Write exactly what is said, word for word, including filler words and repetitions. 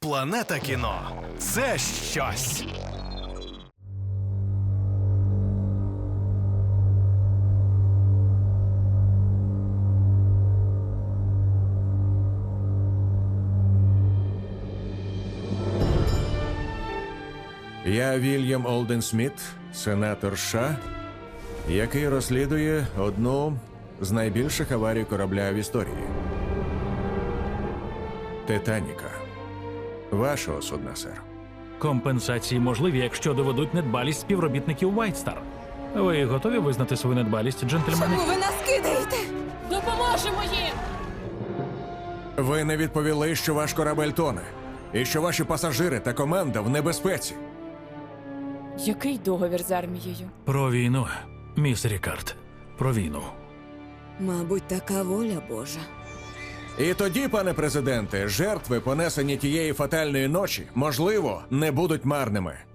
Планета кіно – це щось. Я Вільям Олден Сміт, сенатор США, який розслідує одну з найбільших аварій корабля в історії. Титаніка. Вашого судна, сер. Компенсації можливі, якщо доведуть недбалість співробітників White Star. Ви готові визнати свою недбалість, джентльмени? Чому ви нас кидаєте? Допоможемо їм! Ви не відповіли, що ваш корабель тоне, і що ваші пасажири та команда в небезпеці. Який договір з армією? Про війну, міс Рікард. Про війну. Мабуть, така воля Божа. І тоді, пане президенте, жертви, понесені тієї фатальної ночі, можливо, не будуть марними.